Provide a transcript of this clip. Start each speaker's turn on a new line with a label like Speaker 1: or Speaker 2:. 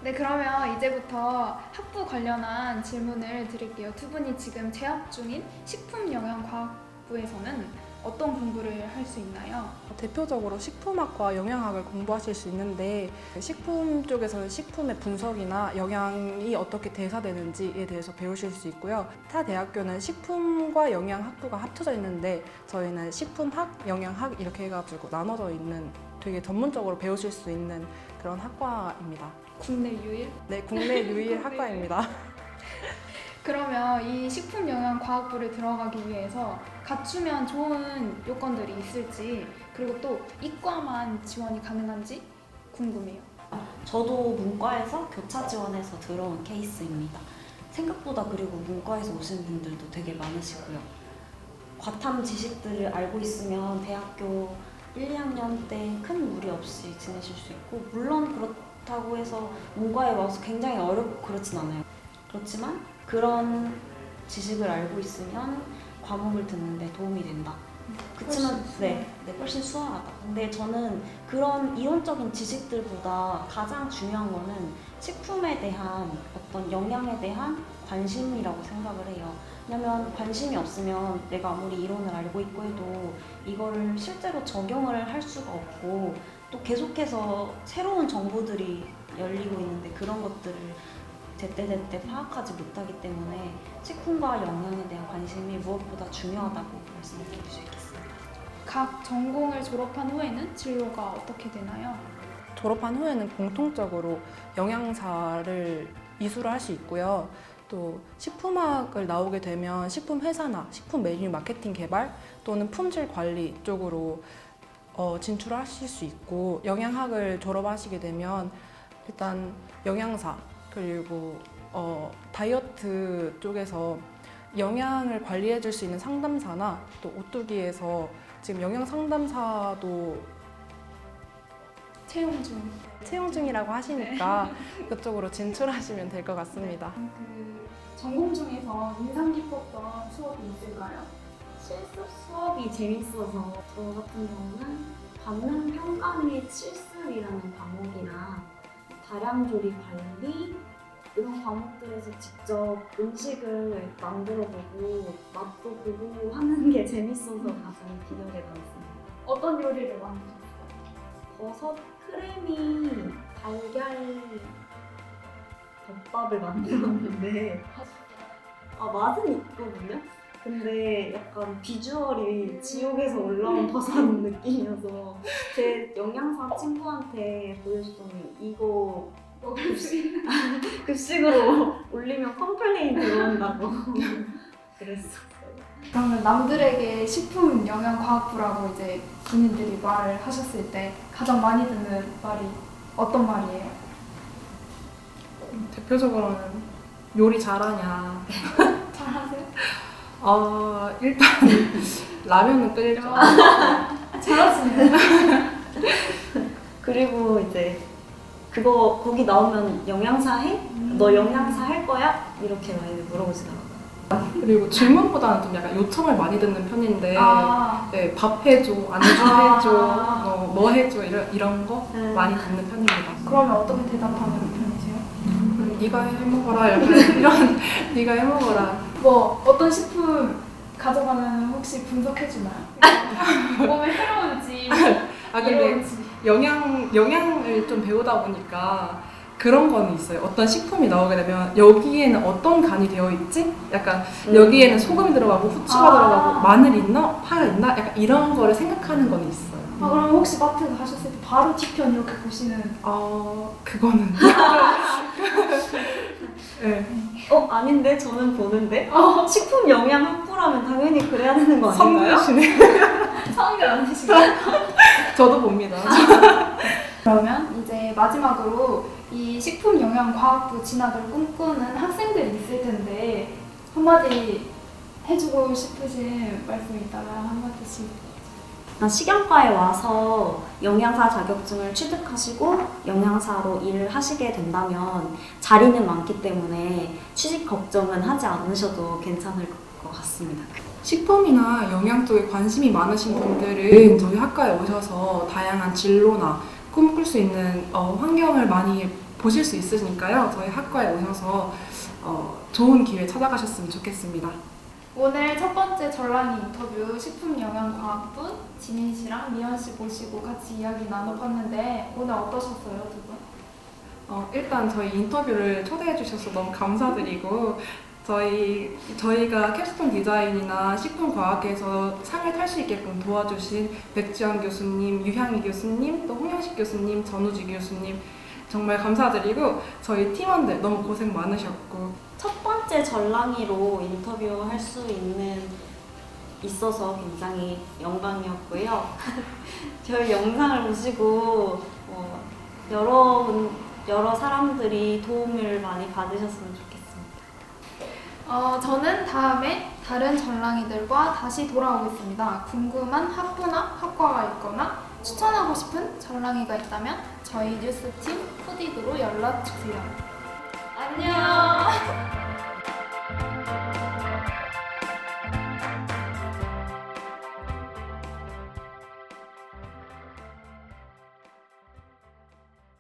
Speaker 1: 네, 그러면 이제부터 학부 관련한 질문을 드릴게요. 두 분이 지금 재학 중인 식품영양과학부에서는 어떤 공부를 할 수 있나요?
Speaker 2: 대표적으로 식품학과 영양학을 공부하실 수 있는데 식품 쪽에서는 식품의 분석이나 영양이 어떻게 대사되는지에 대해서 배우실 수 있고요. 타 대학교는 식품과 영양학부가 합쳐져 있는데 저희는 식품학, 영양학 이렇게 해가지고 나눠져 있는 되게 전문적으로 배우실 수 있는 그런 학과입니다.
Speaker 1: 국내 유일?
Speaker 2: 네, 국내 유일 학과입니다.
Speaker 1: 그러면 이 식품영양과학부를 들어가기 위해서 갖추면 좋은 요건들이 있을지, 그리고 또 이과만 지원이 가능한지 궁금해요.
Speaker 3: 저도 문과에서 교차 지원해서 들어온 케이스입니다. 생각보다 그리고 문과에서 오신 분들도 되게 많으시고요. 과탐 지식들을 알고 있으면 대학교 1, 2학년 때 큰 무리 없이 지내실 수 있고, 물론 그렇다고 해서 문과에 와서 굉장히 어렵고 그렇진 않아요. 그렇지만 그런 지식을 알고 있으면 과목을 듣는데 도움이 된다. 그렇지만 훨씬 수월하다. 근데 저는 그런 이론적인 지식들보다 가장 중요한 거는 식품에 대한 어떤 영양에 대한 관심이라고 생각을 해요. 왜냐면 관심이 없으면 내가 아무리 이론을 알고 있고 해도 이거를 실제로 적용을 할 수가 없고, 또 계속해서 새로운 정보들이 열리고 있는데 그런 것들을 제때제때 파악하지 못하기 때문에 식품과 영양에 대한 관심이 무엇보다 중요하다고 말씀드릴 수 있겠습니다.
Speaker 1: 각 전공을 졸업한 후에는 진로가 어떻게 되나요?
Speaker 2: 졸업한 후에는 공통적으로 영양사를 이수를 할 수 있고요. 또 식품학을 나오게 되면 식품 회사나 식품 메뉴 마케팅 개발 또는 품질 관리 쪽으로 진출하실 수 있고, 영양학을 졸업하시게 되면 일단 영양사 그리고 다이어트 쪽에서 영양을 관리해 줄 수 있는 상담사나 또 오뚜기에서 지금 영양 상담사도 채용 중이라고 하시니까 그쪽으로 진출하시면 될 것 같습니다.
Speaker 1: 그 전공 중에서 인상 깊었던 수업이 있을까요?
Speaker 4: 실습 수업이 재밌어서 저 같은 경우는 받는 평가 및 실습이라는 과목이랑 다량 조리 관리 이런 과목들에서 직접 음식을 만들어보고 맛도 보고 하는 게 재밌어서 가장 기억에 남습니다.
Speaker 1: 어떤 요리를 만드셨어요?
Speaker 4: 버섯 크래미 달걀 덮밥을 만들었는데 맛은 있거든요? 근데 약간 비주얼이 지옥에서 올라온 버섯 느낌이어서 제 영양사 친구한테 보여줬더니 이거 급식으로 올리면 컴플레인 들어온다고 그랬어요.
Speaker 1: 그러면 남들에게 식품영양과학부라고 이제 군인들이 말을 하셨을 때 가장 많이 듣는 말이 어떤 말이에요?
Speaker 5: 대표적으로는 요리 잘하냐.
Speaker 1: 잘하세요?
Speaker 5: 일단 라면은 끓일 줄
Speaker 1: 잘하시네요.
Speaker 4: 그리고 이제 거기 나오면 영양사 해? 너 영양사 할 거야? 이렇게 많이 물어보시더라고요.
Speaker 5: 그리고 질문보다는 좀 약간 요청을 많이 듣는 편인데 네, 밥 해줘, 안주 해줘, 뭐 해줘 이런 거 많이 듣는 편입니다.
Speaker 1: 그러면 어떻게 대답하는 편이세요?
Speaker 5: 네가 해먹어라 이런 네가 해먹어라.
Speaker 1: 뭐 어떤 식품 가져가면 혹시 분석해주나요? 몸에 해로운지
Speaker 5: 근데
Speaker 1: 이로운지.
Speaker 5: 영양을 좀 배우다 보니까 그런 거는 있어요. 어떤 식품이 나오게 되면 여기에는 어떤 간이 되어 있지? 약간 여기에는 소금이 들어가고 후추가 들어가고 마늘 있나? 파 있나? 약간 이런 거를 생각하는 건 있어요.
Speaker 1: 그럼 혹시 마트 가셨을 때 바로 뒤편 이렇게 보시는?
Speaker 5: 그거는 네.
Speaker 4: 아닌데? 저는 보는데? 식품 영양 학부라면 당연히 그래야 되는 거 아닌가요?
Speaker 5: 선배시네.
Speaker 1: 성격 안 되시나요?
Speaker 5: 저도 봅니다.
Speaker 1: 그러면 이제 마지막으로 이 식품영양과학부 진학을 꿈꾸는 학생들이 있을 텐데 한마디 해주고 싶으신 말씀 있다면 한마디씩.
Speaker 4: 식영과에 와서 영양사 자격증을 취득하시고 영양사로 일을 하시게 된다면 자리는 많기 때문에 취직 걱정은 하지 않으셔도 괜찮을 것 같습니다.
Speaker 5: 식품이나 영양 쪽에 관심이 많으신 분들은 저희 학과에 오셔서 다양한 진로나 꿈꿀 수 있는 환경을 많이 보실 수 있으니까요. 저희 학과에 오셔서 좋은 기회 찾아가셨으면 좋겠습니다.
Speaker 1: 오늘 첫 번째 전랑이 인터뷰 식품영양과학부 지민 씨랑 미연 씨 모시고 같이 이야기 나눠봤는데 오늘 어떠셨어요, 두 분?
Speaker 5: 일단 저희 인터뷰를 초대해 주셔서 너무 감사드리고 저희가 캡스톤 디자인이나 식품과학에서 상을 탈 수 있게끔 도와주신 백지영 교수님, 유향희 교수님, 또 홍영식 교수님, 전우지 교수님 정말 감사드리고 저희 팀원들 너무 고생 많으셨고
Speaker 4: 첫 번째 전랑이로 인터뷰할 수 있어서 굉장히 영광이었고요. 저희 영상을 보시고 여러 사람들이 도움을 많이 받으셨으면 좋겠습니다.
Speaker 1: 저는 다음에 다른 전랑이들과 다시 돌아오겠습니다. 궁금한 학부나 학과가 있거나 추천하고 싶은 전랑이가 있다면 저희 뉴스팀 푸디그로 연락 주세요. 안녕!